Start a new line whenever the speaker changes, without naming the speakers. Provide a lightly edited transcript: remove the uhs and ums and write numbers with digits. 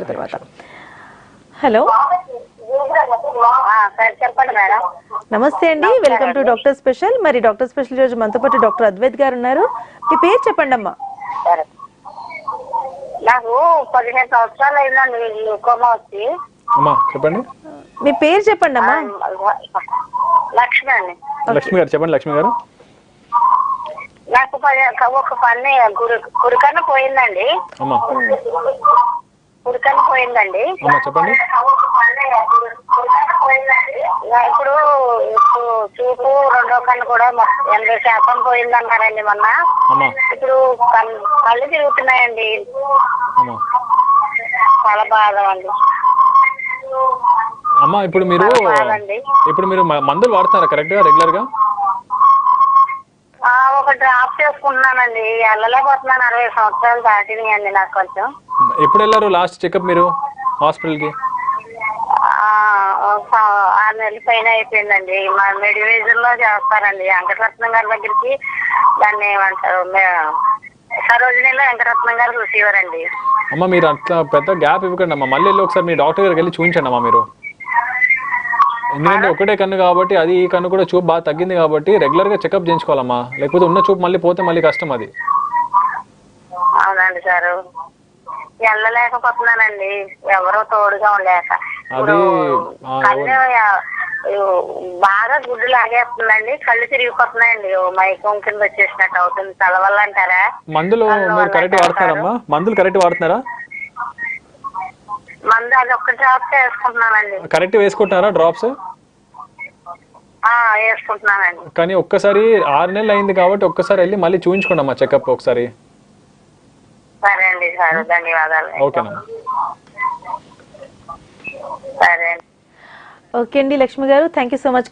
తర్వాత. హలో,
చెప్పండి మేడం.
నమస్తే అండి, వెల్కమ్ టు డాక్టర్ స్పెషల్. మరి డాక్టర్ స్పెషల్ రోజు మనతో పాటు డాక్టర్ అద్వైత్ గారు ఉన్నారు. మీ పేరు చెప్పండి అమ్మా.
నాకు 15 సంవత్సరాలు అయిందండి గ్లూకోమా వచ్చి.
చెప్పండి.
మీ పేరు చెప్పండి అమ్మా.
లక్ష్మి అండి.
లక్ష్మి గారు చెప్పండి. లక్ష్మి గారు,
నాకు ఒక పని కుడికన్ను పోయిందండి. కుడికన్ను పోయిందండి.
చెప్పండి.
ఇప్పుడు చూపు రెండో కన్ను కూడా 80% పోయిందన్నారండి మొన్న. ఇప్పుడు కళ్ళు తిరుగుతున్నాయండి. చాలా బాధ అండి.
అమ్మా ఇప్పుడు మీరు మందులు వాడుతున్నారా కరెక్ట్ గా రెగ్యులర్ గా?
ఒక డ్రాప్ చేసుకుంటున్నానండి. వెళ్ళలేకపోతున్నాను. 60 సంవత్సరాలు దాటినాయండి నాకు కొంచెం.
ఎప్పుడు వెళ్ళారు లాస్ట్ చెకప్ మీరు హాస్పిటల్ కి?
6 నెలల పైన అయిపోయిందండి. మా మెడివేజన్ లో చేస్తారండి వెంకటరత్నం గారి దగ్గరికి. దాన్ని ఏమంటారు, సరోజినీలో వెంకటరత్నం గారు రిసీవర్ అండి.
అమ్మా మీరు అట్లా పెద్ద గ్యాప్ ఇవ్వకండి అమ్మా. మళ్ళీ ఒకసారి మీ డాక్టర్ గారికి వెళ్ళి చూపించండి అమ్మా మీరు. ఎందుకంటే ఒకటే కన్ను కాబట్టి, అది ఈ కన్ను కూడా చూపు బాగా తగ్గింది కాబట్టి రెగ్యులర్ గా చెకప్ చేయించుకోవాలమ్మా. లేకపోతే ఉన్న చూపు మళ్ళీ పోతే మళ్ళీ కష్టం అది.
అవునండి సార్, వెళ్ళలేకపోతున్నానండి ఎవరో తోడుగా ఉండలేక. ఇప్పుడు కళ్ళు బాగా గుడ్డు లాగేస్తుందండి. కళ్ళు తిరిగిపోతున్నాయండి. మైకం కింద వచ్చేసినట్టు అవుతుంది. తల వల్ల అంటారా?
మందులు మీరు కరెక్ట్ వాడుతున్నారమ్మా? మందులు కరెక్ట్ వాడుతున్నారా?
మందు అది ఒక్క డ్రాప్స్ వేసుకుంటున్నానండి.
కరెక్ట్ వేసుకుంటున్నారా డ్రాప్స్?
వేసుకుంటున్నానండి.
కానీ ఒక్కసారి 6 నెలలు అయింది కాబట్టి ఒక్కసారి వెళ్ళి మళ్ళీ చూపించుకోండి అమ్మా చెకప్ ఒకసారి.
సరే అండి సార్, ధన్యవాదాలు.
ఓకేనమ్మా.
సరే అండి.
ఓకే అండి లక్ష్మి గారు, థ్యాంక్ యూ సో మచ్.